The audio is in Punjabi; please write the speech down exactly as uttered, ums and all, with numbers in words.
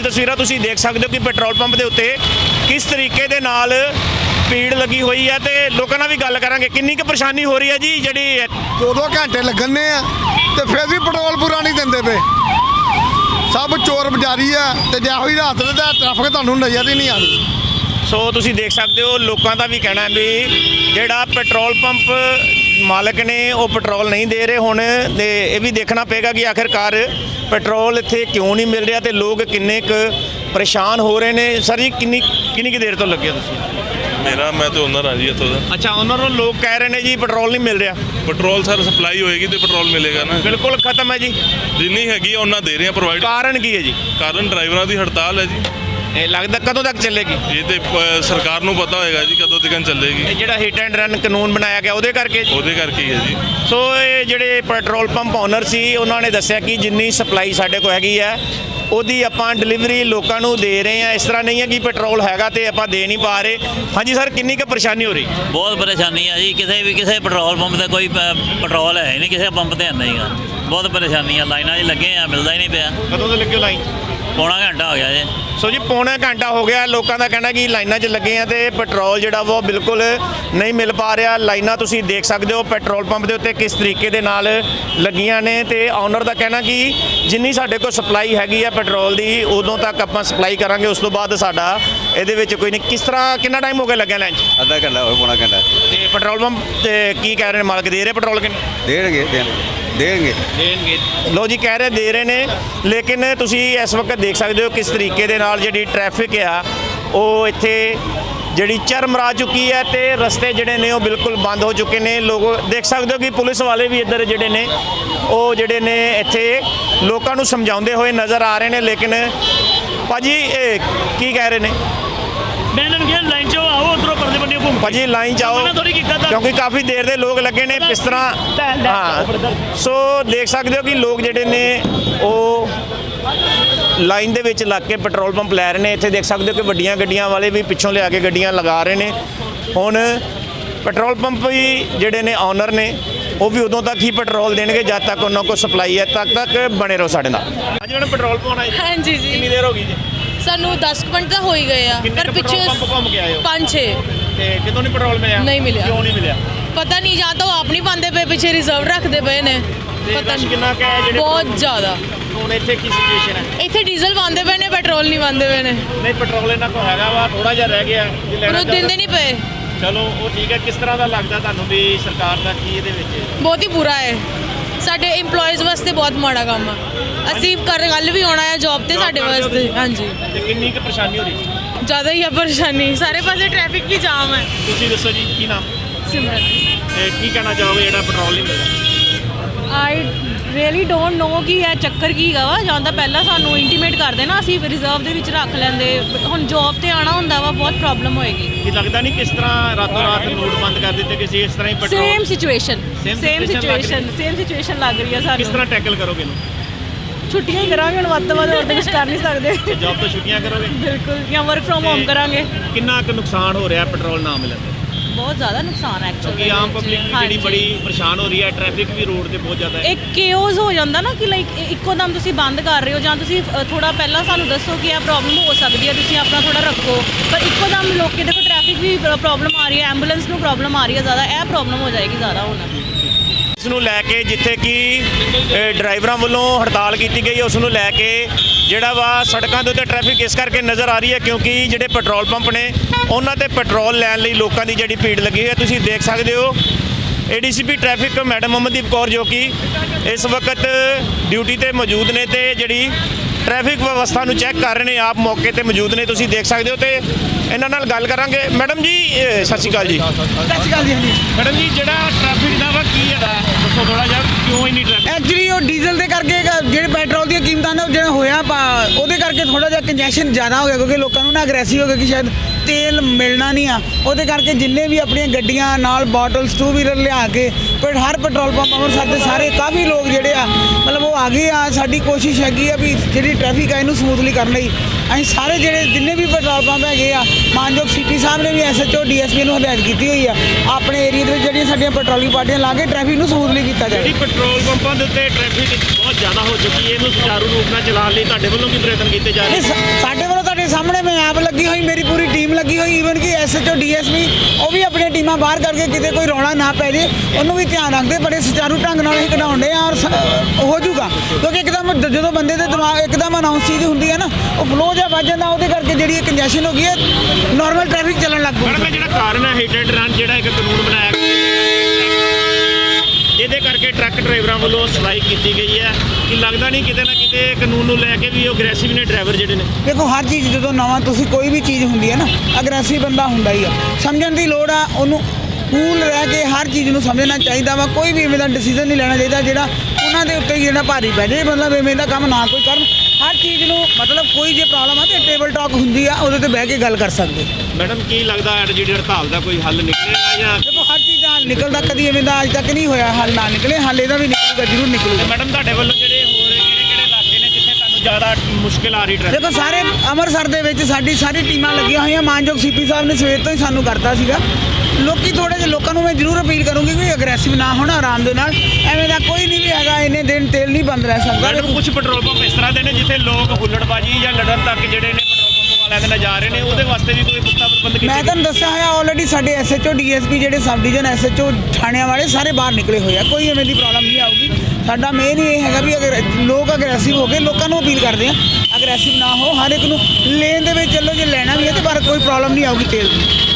तस्वीरां तुसीं देख सकते हो कि पेट्रोल पंप के उत्ते किस तरीके दे नाल भीड़ लगी हुई है। तो लोगों नाल भी गल करांगे किन्नी क परेशानी हो रही है जी। जिहड़ी दो दो घंटे लगने आ ते फिर भी पेट्रोल पूरा नहीं दिंदे पे। सब चोर बजारी है ते जे होई रात दे ट्रैफिक तुहानूं नज़र ही नहीं आती। सो तुसीं देख सकते हो लोगों का भी कहना है भी जिहड़ा पेट्रोल पंप मालक ने वो पेट्रोल नहीं दे रहे। हुण ते ये भी देखना पेगा कि आखिरकार पेट्रोल इत्थे क्यों नहीं मिल रहा, तो लोग किन्ने क परेशान हो रहे हैं। सर जी किन्नी किन्नी की देर तो लगे तुसीं? मेरा मैं तो ओनर हाँ जी इत्थों दा। अच्छा ओनर हो, लोग कह रहे हैं जी पेट्रोल नहीं मिल रहा। पेट्रोल सर सप्लाई होएगी तो पेट्रोल मिलेगा ना। बिल्कुल खत्म है जी, जिन्नी हैगी उन्ना दे रहे हैं प्रोवाइड। कारण की है जी? कारण ड्राइवरों की हड़ताल है जी। ये लगता कदों तक चलेगी? ये तो सरकार को पता होएगा जी कदों तक चलेगी। ये जिहड़ा हिट एंड रन कानून बनाया गया उहदे करके ਉਹਦੇ ਕਰਕੇ ਹੀ ਹੈ ਜੀ। सो ये ਜਿਹੜੇ ਪੈਟਰੋਲ ਪੰਪ ਓਨਰ ਸੀ ਉਹਨਾਂ ਨੇ ਦੱਸਿਆ ਕਿ ਜਿੰਨੀ ਸਪਲਾਈ ਸਾਡੇ ਕੋਲ ਹੈਗੀ ਹੈ ਉਹਦੀ ਆਪਾਂ ਡਿਲੀਵਰੀ ਲੋਕਾਂ ਨੂੰ ਦੇ ਰਹੇ ਹਾਂ। ਇਸ ਤਰ੍ਹਾਂ ਨਹੀਂ ਹੈ ਕਿ ਪੈਟਰੋਲ ਹੈਗਾ ਤੇ ਆਪਾਂ ਦੇ ਨਹੀਂ ਪਾ ਰਹੇ। ਹਾਂਜੀ ਸਰ ਕਿੰਨੀ ਕੁ ਪਰੇਸ਼ਾਨੀ ਹੋ ਰਹੀ? ਬਹੁਤ ਪਰੇਸ਼ਾਨੀ ਹੈ ਜੀ। ਕਿਸੇ ਵੀ ਕਿਸੇ ਪੈਟਰੋਲ ਪੰਪ ਤੇ ਕੋਈ ਪ- ਪੈਟਰੋਲ ਹੈ ਹੀ ਨਹੀਂ, ਕਿਸੇ ਪੰਪ ਤੇ ਹੈ ਨਹੀਂ ਗਾ। ਬਹੁਤ ਪਰੇਸ਼ਾਨੀ ਆ, ਲਾਈਨਾਂ 'ਚ ਲੱਗੇ ਆ, ਮਿਲਦਾ ਹੀ ਨਹੀਂ ਪਿਆ। ਕਦੋਂ ਤੋਂ ਲੱਗੇ ਲਾਈਨ? ਪੌਣਾ ਘੰਟਾ ਹੋ ਗਿਆ ਜੀ। ਸੋ ਜੀ ਪੌਣਾ ਘੰਟਾ ਹੋ ਗਿਆ, ਲੋਕਾਂ ਦਾ ਕਹਿਣਾ ਕਿ ਲਾਈਨਾਂ 'ਚ ਲੱਗੇ ਆ ਤੇ ਪੈਟਰੋਲ ਜਿਹੜਾ ਵਾ ਉਹ ਬਿਲਕੁਲ ਨਹੀਂ ਮਿਲ ਪਾ ਰਿਹਾ। ਲਾਈਨਾਂ ਤੁਸੀਂ ਦੇਖ ਸਕਦੇ ਹੋ ਪੈਟਰੋਲ ਪੰਪ ਦੇ ਉੱਤੇ ਕਿਸ ਤਰੀਕੇ ਦੇ ਨਾਲ ਲੱਗੀਆਂ ਨੇ ਤੇ ਓਨਰ ਦਾ ਕਹਿਣਾ ਕਿ ਜਿੰਨੀ ਸਾਡੇ ਕੋਲ ਸਪਲਾਈ ਹੈਗੀ ਆ ਪੈਟਰੋਲ ਦੀ ਉਦੋਂ ਤੱਕ ਆਪਾਂ ਸਪਲਾਈ ਕਰਾਂਗੇ, ਉਸ ਤੋਂ ਬਾਅਦ ਸਾਡਾ ਇਹਦੇ ਵਿੱਚ ਕੋਈ ਨਹੀਂ। ਕਿਸ ਤਰ੍ਹਾਂ ਕਿੰਨਾ ਟਾਈਮ ਹੋ ਗਿਆ ਲੱਗਿਆ ਲਾਈਨ 'ਚ? ਅੱਧਾ ਘੰਟਾ ਹੋਰ ਪੌਣਾ ਘੰਟਾ। ਤੇ ਪੈਟਰੋਲ ਪੰਪ ਤੇ ਕੀ ਕਹਿ ਰਹੇ ਨੇ ਮਾਲਕ, ਦੇ ਰਹੇ ਪੈਟਰੋਲ ਕਿ ਨਹੀਂ? ਦੇਣਗੇ ਦੇਣਗੇ ਦੇਣਗੇ। ਲੋ ਜੀ ਕਹਿ ਰਹੇ ਦੇ ਰਹੇ ਨੇ, ਲੇਕਿਨ ਤੁਸੀਂ ਇਸ ਵਕਤ ਦੇਖ ਸਕਦੇ ਹੋ ਕਿਸ ਤਰੀਕੇ ਦੇ ਨਾਲ ਜਿਹੜੀ ਟ੍ਰੈਫਿਕ ਆ ਉਹ ਇੱਥੇ ਜਿਹੜੀ ਚਰਮਰਾ ਚੁੱਕੀ ਹੈ ਤੇ ਰਸਤੇ ਜਿਹੜੇ ਨੇ ਉਹ ਬਿਲਕੁਲ ਬੰਦ ਹੋ ਚੁੱਕੇ ਨੇ। ਲੋਕ ਦੇਖ ਸਕਦੇ ਹੋ ਕਿ ਪੁਲਿਸ ਵਾਲੇ ਵੀ ਇੱਧਰ ਜਿਹੜੇ ਨੇ ਉਹ ਜਿਹੜੇ ਨੇ ਇੱਥੇ ਲੋਕਾਂ ਨੂੰ ਸਮਝਾਉਂਦੇ ਹੋਏ ਨਜ਼ਰ ਆ ਰਹੇ ਨੇ। ਲੇਕਿਨ ਭਾਜੀ ਇਹ ਕੀ ਕਹਿ ਰਹੇ ਨੇ? मैं इन्होंने कहा लाइन च आओ उधरों परले बन्ने घूम ਭਾਜੀ ਲਾਈਨ 'ਚ ਆਓ ਕਿਉਂਕਿ ਕਾਫੀ ਦੇਰ ਦੇ ਲੋਕ ਲੱਗੇ ਨੇ। ਕਿਸ ਤਰ੍ਹਾਂ ਹਾਂ ਸੋ ਦੇਖ ਸਕਦੇ ਹੋ ਕਿ ਲੋਕ ਜਿਹੜੇ ਨੇ ਉਹ ਲਾਈਨ ਦੇ ਵਿੱਚ ਲੱਗ ਕੇ ਪੈਟਰੋਲ ਪੰਪ ਲੈ ਰਹੇ ਨੇ। ਇੱਥੇ ਦੇਖ ਸਕਦੇ ਹੋ ਕਿ ਵੱਡੀਆਂ ਗੱਡੀਆਂ ਵਾਲੇ ਵੀ ਪਿੱਛੋਂ ਲਿਆ ਕੇ ਗੱਡੀਆਂ ਲਗਾ ਰਹੇ ਨੇ। ਹੁਣ ਪੈਟਰੋਲ ਪੰਪ ਵੀ ਜਿਹੜੇ ਨੇ ਓਨਰ ਨੇ ਉਹ ਵੀ ਉਦੋਂ ਤੱਕ ਹੀ ਪੈਟਰੋਲ ਦੇਣਗੇ ਜਦ ਤੱਕ ਉਹਨਾਂ ਕੋਲ ਸਪਲਾਈ ਹੈ। ਤੱਕ ਤੱਕ ਬਣੇ ਰਹੋ ਸਾਡੇ ਨਾਲ। ਅੱਜ ਜਿਹੜਾ ਪੈਟਰੋਲ ਪਾਉਣਾ ਹੈ हाँ जी जी ਕਿੰਨੀ ਦੇਰ ਹੋ ਗਈ ਜੀ? ਸਾਨੂੰ ਦਸ ਕੁ ਮਿੰਟ ਤਾਂ ਹੋ ਹੀ ਗਏ ਆ, ਕਿੰਨੇ ਪਰ ਕੁ ਪਿੱਛੇ ਪੈਟਰੋਲ ਪੰਪ ਘੁੰਮ ਕੇ ਆਏ ਹੋ? ਪੰਜ ਛੇ ਤੇ ਕਿਤੋਂ ਨਹੀਂ ਪੈਟਰੋਲ ਮਿਲਿਆ? ਨਹੀਂ ਮਿਲਿਆ। ਕਿਉਂ ਨਹੀਂ ਮਿਲਿਆ? ਪਤਾ ਨਹੀਂ, ਜਾਂ ਤਾਂ ਉਹ ਆਪ ਨਹੀਂ ਪਾਉਂਦੇ ਪਏ, ਪਿੱਛੇ ਰਿਜ਼ਰਵ ਰੱਖਦੇ ਪਏ ਨੇ, ਪਤਾ ਰਸ਼ ਨਹੀਂ। ਕਿੰਨਾ ਕੁ ਹੈ ਜਿਹੜੇ ਬਹੁਤ ਜ਼ਿਆਦਾ। ਹੁਣ ਇੱਥੇ ਕੀ ਸਿਚੁਏਸ਼ਨ ਹੈ? ਇੱਥੇ ਡੀਜ਼ਲ ਪਾਉਂਦੇ ਪਏ ਨੇ, ਪੈਟਰੋਲ ਨਹੀਂ ਪਾਉਂਦੇ ਪਏ ਨੇ, ਨਹੀਂ ਪੈਟਰੋਲ ਇਹਨਾਂ ਕੋਲ ਹੈਗਾ ਵਾ, ਥੋੜਾ ਜਿਹਾ ਰਹਿ ਗਿਆ ਜੇ ਪਰ ਲੈਣਾ ਉਹ ਦਿੰਦੇ ਨਹੀਂ ਪਏ। ਚਲੋ ਉਹ ਠੀਕ ਹੈ। ਕਿਸ ਤਰ੍ਹਾਂ ਦਾ ਲੱਗਦਾ ਤੁਹਾਨੂੰ ਵੀ ਸਰਕਾਰ ਦਾ ਕੀ ਇਹਦੇ ਵਿੱਚ? ਬਹੁਤ ਹੀ ਬੁਰਾ ਹੈ, ਸਾਡੇ EMPLOYEES ਵਾਸਤੇ ਬਹੁਤ ਮਾੜਾ ਕੰਮ ਆ। ਅਸੀਂ ਕਰ ਕੱਲ ਵੀ ਆਉਣਾ ਹੈ ਜੌਬ ਤੇ ਸਾਡੇ ਵਾਸਤੇ। ਹਾਂਜੀ ਤੇ ਕਿੰਨੀ ਕੁ ਪਰੇਸ਼ਾਨੀ ਹੋ ਰਹੀ? ਜ਼ਿਆਦਾ ਹੀ ਆ ਪਰੇਸ਼ਾਨੀ, ਸਾਰੇ ਪਾਸੇ ਟ੍ਰੈਫਿਕ ਵੀ ਜਾਮ ਹੈ। ਤੁਸੀਂ ਦੱਸੋ ਜੀ ਕੀ ਨਾਮ ਸਿਮਰਨ ਤੇ ਕੀ ਕਹਿਣਾ ਚਾਹੋਗੇ ਜਿਹੜਾ ਪੈਟਰੋਲ ਨਹੀਂ ਮਿਲਦਾ? ਆਈ ਰੀਅਲੀ ਡੋਂਟ ਨੋ ਕਿ ਇਹ ਚੱਕਰ ਕੀ ਹੈਗਾ ਵਾ। ਜਾਂ ਤਾਂ ਪਹਿਲਾਂ ਸਾਨੂੰ ਇੰਟੀਮੇਟ ਕਰਦੇ ਨਾ, ਅਸੀਂ ਰਿਜ਼ਰਵ ਦੇ ਵਿੱਚ ਰੱਖ ਲੈਂਦੇ। ਹੁਣ ਜੌਬ ਤੇ ਆਣਾ ਹੁੰਦਾ ਵਾ, ਬਹੁਤ ਪ੍ਰੋਬਲਮ ਹੋਏਗੀ। ਕੀ ਲੱਗਦਾ ਨਹੀਂ ਕਿਸ ਤਰ੍ਹਾਂ ਰਾਤੋਂ ਰਾਤ ਨੋਟ ਬੰਦ ਕਰ ਦਿੱਤੇ ਕਿਸੇ ਇਸ ਤਰ੍ਹਾਂ ਹੀ petrol? Same situation Same same situation ਲੱਗ ਰਹੀ ਸਿਚੁਏਸ਼ਨ ਸੇਮ ਸਿਚੁਏਸ਼ਨ ਲੱਗ ਰਹੀ ਹੈ ਕਿਸ ਸਾਨੂੰ। ਤਰ੍ਹਾਂ ਟੈਕਲ ਕਰੋਗੇ ਇਹਨੂੰ? ਛੁੱਟੀਆਂ ਹੀ ਕਰਾਂਗੇ ਹੁਣ, ਵੱਧ ਤੋਂ ਵੱਧ ਹੋਰ ਤਾਂ ਕੁਝ ਕਰ ਨਹੀਂ ਸਕਦੇ। ਤੇ ਜੌਬ ਤੋਂ ਛੁੱਟੀਆਂ ਕਰੋਗੇ? ਬਿਲਕੁਲ, ਜਾਂ ਵਰਕ ਫਰੋਮ ਹੋਮ ਕਰਾਂਗੇ। ਕਿੰਨਾ ਕੁ ਨੁਕਸਾਨ ਹੋ ਰਿਹਾ ਪੈਟਰੋਲ ਨਾ ਮਿਲਣ ਤੇ? ਬਹੁਤ ਜ਼ਿਆਦਾ ਨੁਕਸਾਨ ਹੈ ਕਿਉਂਕਿ ਐਕਚੁਅਲੀ। ਆਮ ਪਬਲਿਕ ਵੀ ਜਿਹੜੀ ਬੜੀ ਪਰੇਸ਼ਾਨ ਹੋ ਰਹੀ ਹੈ, ਟ੍ਰੈਫਿਕ ਵੀ ਰੋਡ ਤੇ ਬਹੁਤ ਜ਼ਿਆਦਾ ਹੈ। ਇੱਕ ਕੇਓਸ ਹੋ ਜਾਂਦਾ ਨਾ ਕਿ ਲਾਈਕ ਇੱਕੋ ਦਮ ਤੁਸੀਂ ਬੰਦ ਕਰ ਰਹੇ ਹੋ, ਜਾਂ ਤੁਸੀਂ ਥੋੜਾ ਪਹਿਲਾਂ ਸਾਨੂੰ ਦੱਸੋ ਕਿ ਇਹ ਪ੍ਰੋਬਲਮ ਹੋ ਸਕਦੀ ਹੈ, ਤੁਸੀਂ ਆਪਣਾ ਥੋੜਾ ਰੱਖੋ। ਪਰ ਇੱਕੋ ਦਮ ਲੋਕੀ ਦੇਖੋ ਟ੍ਰੈਫਿਕ ਵੀ ਪ੍ਰੋਬਲਮ ਆ ਰਹੀ ਹੈ, ਐਂਬੂਲੈਂਸ ਨੂੰ ਪ੍ਰੋਬਲਮ ਆ ਰਹੀ ਹੈ ਜ਼ਿਆਦਾ, ਇਹ ਪ੍ਰੋਬਲਮ ਹੋ ਜਾਏਗੀ ਜ਼ਿਆਦਾ ਹੁਣ। ਇਸ ਨੂੰ ਲੈ ਕੇ ਜਿੱਥੇ ਕਿ ਡਰਾਈਵਰਾਂ ਵੱਲੋਂ ਹੜਤਾਲ ਕੀਤੀ ਗਈ ਉਸ ਨੂੰ ਲੈ ਕੇ ਜਿਹੜਾ ਵਾ ਸੜਕਾਂ ਦੇ ਉੱਤੇ ਟ੍ਰੈਫਿਕ ਇਸ ਕਰਕੇ ਨਜ਼ਰ ਆ ਰਹੀ ਹੈ ਕਿਉਂਕਿ ਜਿਹੜੇ ਪੈਟਰੋਲ ਪੰਪ ਨੇ ਉਹਨਾਂ ਤੇ ਪੈਟਰੋਲ ਲੈਣ ਲਈ ਲੋਕਾਂ ਦੀ ਜਿਹੜੀ ਭੀੜ ਲੱਗੀ ਹੋਈ ਹੈ। ਤੁਸੀਂ ਦੇਖ ਸਕਦੇ ਹੋ ADCP traffic madam Amandeep Kaur ਜੋ ਕਿ ਇਸ ਵਕਤ ਡਿਊਟੀ ਤੇ ਮੌਜੂਦ ਨੇ ਤੇ ਜਿਹੜੀ ट्रैफिक व्यवस्था ਨੂੰ ਚੈੱਕ ਕਰ ਰਹੇ ਨੇ, ਆਪ ਮੌਕੇ ਤੇ ਮੌਜੂਦ ਨੇ, ਤੁਸੀਂ ਦੇਖ ਸਕਦੇ ਹੋ। ਤੇ ਇਹਨਾਂ ਨਾਲ ਗੱਲ ਕਰਾਂਗੇ। ਮੈਡਮ ਜੀ ਸਤਿ ਸ਼੍ਰੀ ਅਕਾਲ ਜੀ। ਸਤਿ ਸ਼੍ਰੀ ਅਕਾਲ ਜੀ। ਹਾਂਜੀ ਮੈਡਮ ਜੀ ਜਿਹੜਾ ਟ੍ਰੈਫਿਕ ਦਾ ਵਾ ਕੀ ਹੈਗਾ ਦੱਸੋ ਥੋੜਾ ਜਿਹਾ, ਕਿਉਂ ਇੰਨੀ ਟ੍ਰੈਫਿਕ? ਐਕਚੁਅਲੀ ਉਹ ਡੀਜ਼ਲ ਦੇ ਕਰਕੇ ਜਿਹੜੇ ਪੈਟਰੋਲ ਦੀਆਂ ਕੀਮਤਾਂ ਨੇ ਜਿਹੜਾ ਹੋਇਆ ਪਾ ਉਹਦੇ ਕਰਕੇ ਥੋੜਾ ਜਿਹਾ ਕੰਜੈਸ਼ਨ ਜ਼ਿਆਦਾ ਹੋ ਗਿਆ ਕਿਉਂਕਿ ਲੋਕਾਂ ਨੂੰ ਨਾ ਅਗਰੈਸਿਵ ਹੋ ਗਿਆ ਕਿ ਸ਼ਾਇਦ ਤੇਲ ਮਿਲਣਾ ਨਹੀਂ ਆ। ਉਹਦੇ ਕਰਕੇ ਜਿੰਨੇ ਵੀ ਆਪਣੀਆਂ ਗੱਡੀਆਂ ਨਾਲ ਬੋਟਲਸ ਟੂ ਵੀਲਰ ਲਿਆ ਕੇ ਪਰ ਹਰ ਪੈਟਰੋਲ ਪੰਪ ਅੰਮ੍ਰਿਤਸਰ ਦੇ ਸਾਰੇ ਕਾਫੀ ਲੋਕ ਜਿਹੜੇ ਆ ਮਤਲਬ ਉਹ ਆ ਗਏ ਆ। ਸਾਡੀ ਕੋਸ਼ਿਸ਼ ਹੈਗੀ ਆ ਵੀ ਜਿਹੜੀ ਟ੍ਰੈਫਿਕ ਆ ਇਹਨੂੰ ਸਮੂਥਲੀ ਕਰਨ ਲਈ ਅਸੀਂ ਸਾਰੇ ਜਿਹੜੇ ਜਿੰਨੇ ਵੀ ਪੈਟਰੋਲ ਪੰਪ ਹੈਗੇ ਆ ਮਾਨਯੋਗ ਸੀਪੀ ਸਾਹਿਬ ਨੇ ਵੀ ਐਸਐਚਓ ਡੀਐਸਪੀ ਨੂੰ ਹਦਾਇਤ ਕੀਤੀ ਹੋਈ ਆ ਆਪਣੇ ਏਰੀਆ ਦੇ ਵਿੱਚ ਜਿਹੜੀਆਂ ਸਾਡੀਆਂ ਪੈਟਰੋਲਿੰਗ ਪਾਰਟੀਆਂ ਲਾ ਕੇ ਟ੍ਰੈਫਿਕ ਨੂੰ ਸਮੂਥਲੀ ਕੀਤਾ ਜਾਵੇ। ਜਿਹੜੀ ਪੈਟਰੋਲ ਪੰਪਾਂ ਦੇ ਉੱਤੇ ਟ੍ਰੈਫਿਕ ਬਹੁਤ ਜ਼ਿਆਦਾ ਹੋ ਚੁੱਕੀ ਹੈ, ਇਹਨੂੰ ਸੁਚਾਰੂ ਰੂਪ ਨਾਲ ਚਲਾਉਣ ਲਈ ਤੁਹਾਡੇ ਵੱਲੋਂ ਕੀ ਪ੍ਰਯਤਨ ਕੀਤੇ ਜਾ ਰਹੇ ਇਹ ਸਾ- ਸਾਡੇ ਵੱਲੋਂ ਤੁਹਾਡੇ ਸਾਹਮਣੇ ਮੈਂ ਆਪ ਲੱਗੀ ਹੋਈ, ਮੇਰੀ ਪੂਰੀ ਟੀਮ ਲੱਗੀ ਹੋਈ, ਈਵਨ ਕਿ ਐਸਐਚਓ ਡੀਐਸਪੀ ਉਹ ਵੀ ਆਪਣੀਆਂ ਟੀਮਾਂ ਬਾਹਰ ਕਰਕੇ ਕਿਤੇ ਕੋਈ ਰੌਲਾ ਨਾ ਪੈ ਜੇ ਉਹਨੂੰ ਵੀ ਧਿਆਨ ਰੱਖਦੇ। ਬੜੇ ਸੁਚਾਰੂ ਢੰਗ ਨਾਲ ਅਸੀਂ ਕਢਾਉਂਦੇ ਆ ਔਰ ਸ- ਹੋ ਜਾਊਗਾ ਕਿਉਂਕਿ ਇੱਕਦਮ ਜ- ਜਦੋਂ ਬੰਦੇ ਦੇ ਦਿਮਾਗ ਇੱਕਦਮ ਅਨਾਉਂਸ ਚੀਜ਼ ਹੁੰਦੀ ਹੈ ਨਾ ਉਹ ਫਲੋ ਜਿਹਾ ਵੱਜ ਜਾਂਦਾ, ਉਹਦੇ ਕਰਕੇ ਜਿਹੜੀ ਕੰਜੈਸ਼ਨ ਹੋ ਗਈ ਹੈ ਨਾਰਮਲ ਟ੍ਰੈਫਿਕ ਚੱਲਣ ਲੱਗ ਮੈਡਮ ਪਊ। ਇਹ ਜਿਹੜਾ ਕਾਰਨ ਹੈ ਹਿੱਟ ਐਂਡ ਰਨ ਜਿਹੜਾ ਇੱਕ ਕਾਨੂੰਨ ਬਣਾਇਆ ਗਿਆ ਇਹਦੇ ਕਰਕੇ ਟਰੱਕ ਡਰਾਈਵਰਾਂ ਵੱਲੋਂ ਸਟ੍ਰਾਈਕ ਕੀਤੀ ਗਈ ਹੈ ਕਿ ਲੱਗਦਾ ਨਹੀਂ ਕਿਤੇ ਨਾ ਕਿਤੇ ਕਾਨੂੰਨ ਨੂੰ ਲੈ ਕੇ ਵੀ ਉਹ ਅਗਰੈਸਿਵ ਨੇ ਡਰਾਈਵਰ ਜਿਹੜੇ ਨੇ। ਦੇਖੋ ਹਰ ਚੀਜ਼ ਜਦੋਂ ਨਵਾਂ ਤੁਸੀਂ ਕੋਈ ਵੀ ਚੀਜ਼ ਹੁੰਦੀ ਹੈ ਨਾ ਅਗਰੈਸਿਵ ਬੰਦਾ ਹੁੰਦਾ ਹੀ ਆ, ਸਮਝਣ ਦੀ ਲੋੜ ਆ ਉਹਨੂੰ। ਕੂਲ ਰਹਿ ਕੇ ਹਰ ਚੀਜ਼ ਨੂੰ ਸਮਝਣਾ ਚਾਹੀਦਾ ਵਾ। ਕੋਈ ਵੀ ਇਵੇਂ ਦਾ ਡਿਸੀਜਨ ਨਹੀਂ ਲੈਣਾ ਚਾਹੀਦਾ ਜਿਹੜਾ ਉਹਨਾਂ ਦੇ ਉੱਤੇ ਹੀ ਜਿਹੜਾ ਭਾਰੀ ਪੈ ਜਾਏ, ਮਤਲਬ ਇਵੇਂ ਦਾ ਕੰਮ ਨਾ ਕੋਈ ਕਰਨ। ਹਰ ਚੀਜ਼ ਨੂੰ ਮਤਲਬ ਕੋਈ ਜੇ ਪ੍ਰੋਬਲਮ ਆ ਤੇ ਟੇਬਲ ਟਾਕ ਹੁੰਦੀ ਆ, ਉਹਦੇ ਤੇ ਬਹਿ ਕੇ ਗੱਲ ਕਰ ਸਕਦੇ। ਮੈਡਮ ਕੀ ਲੱਗਦਾ ਹੈ ਜਿਹੜੀ ਹੜਤਾਲ ਦਾ ਕੋਈ ਹੱਲ ਨਿਕਲੇਗਾ ਜਾਂ ਦੇਖੋ ਹਰ ਚੀਜ਼ ਦਾ ਹੱਲ ਨਿਕਲਦਾ, ਕਦੀ ਇਵੇਂ ਦਾ ਅੱਜ ਤੱਕ ਨਹੀਂ ਹੋਇਆ ਹੱਲ ਨਾ ਨਿਕਲੇ। ਹੱਲ ਇਹਦਾ ਵੀ ਨਿਕਲੂਗਾ, ਜ਼ਰੂਰ ਨਿਕਲੂਗਾ। ਮੈਡਮ ਤੁਹਾਡੇ ਵੱਲੋਂ ਜਿਹੜੇ ਹੋਰ ਕਿਹੜੇ ਕਿਹੜੇ ਇਲਾਕੇ ਨੇ ਜਿੱਥੇ ਤੁਹਾਨੂੰ ਜ਼ਿਆਦਾ ਮੁਸ਼ਕਿਲ ਆ ਰਹੀ ਟ੍ਰੈਫਿਕ? ਦੇਖੋ ਸਾਰੇ ਅੰਮ੍ਰਿਤਸਰ ਦੇ ਵਿੱਚ ਸਾਡੀ ਸਾਰੀ ਟੀਮਾਂ ਲੱਗੀਆਂ ਹੋਈਆਂ। ਮਾਨਯੋਗ ਸੀਪੀ ਸਾਹਿਬ ਨੇ ਸਵੇਰ ਤੋਂ ਹੀ ਸਾਨੂੰ ਕਰਤਾ ਸੀਗਾ। ਲੋਕੀ ਥੋੜੇ ਜਿਹੇ ਲੋਕਾਂ ਨੂੰ ਮੈਂ ਜ਼ਰੂਰ ਅਪੀਲ ਕਰੂੰਗੀ ਕਿ ਅਗਰੈਸਿਵ ਨਾ ਹੋਣ, ਆਰਾਮ ਦੇ ਨਾਲ। ਐਵੇਂ ਦਾ ਕੋਈ ਨਹੀਂ ਵੀ ਹੈਗਾ ਇੰਨੇ ਦਿਨ ਤੇਲ ਨਹੀਂ ਬੰਦ ਰਹਿ ਸਕਦਾ। ਮੈਡਮ ਕੁਝ ਪੈਟਰੋਲ ਪੰਪ ਇਸ ਤਰ੍ਹਾਂ ਦੇ ਨੇ ਜਿੱਥੇ ਲੋਕ ਹੁੱਲੜਬਾਜੀ ਜਾਂ ਲੜਨ ਤੱਕ ਜਿਹੜੇ ਨੇ ਪੈਟਰੋਲ ਪੰਪ ਵਾਲਿਆਂ ਦੇ ਨਾਲ ਜਾ ਰਹੇ ਨੇ, ਉਹਦੇ ਵਾਸਤੇ ਵੀ ਕੋਈ ਪੁਖਤਾ ਪ੍ਰਬੰਧ ਕੀਤੇ ਮੈਂ ਗਏ? ਤੁਹਾਨੂੰ ਦੱਸਿਆ ਹੋਇਆ ਆਲਰੇਡੀ ਸਾਡੇ ਐਸਐਚਓ ਡੀਐਸਪੀ ਜਿਹੜੇ ਸਬ ਡਿਵੀਜ਼ਨ ਐਸਐਚਓ ਥਾਣਿਆਂ ਵਾਲੇ ਸਾਰੇ ਬਾਹਰ ਨਿਕਲੇ ਹੋਏ ਆ। ਕੋਈ ਐਵੇਂ ਦੀ ਪ੍ਰੋਬਲਮ ਨਹੀਂ ਆਊਗੀ। ਸਾਡਾ ਮੇਨ ਇਹ ਹੈਗਾ ਵੀ ਅਗਰ ਲੋਕ ਅਗਰੈਸਿਵ ਹੋ ਗਏ, ਲੋਕਾਂ ਨੂੰ ਅਪੀਲ ਕਰਦੇ ਆ ਅਗਰੈਸਿਵ ਨਾ ਹੋ, ਹਰ ਇੱਕ ਨੂੰ ਲੇਨ ਦੇ ਵਿੱਚ ਚੱਲੋ। ਜੇ ਲੈਣਾ ਵੀ ਹੈ ਤੇ ਪਰ ਕੋਈ ਪ੍ਰੋਬਲਮ ਨਹੀਂ ਆਊਗੀ ਤੇਲ ਦੀ।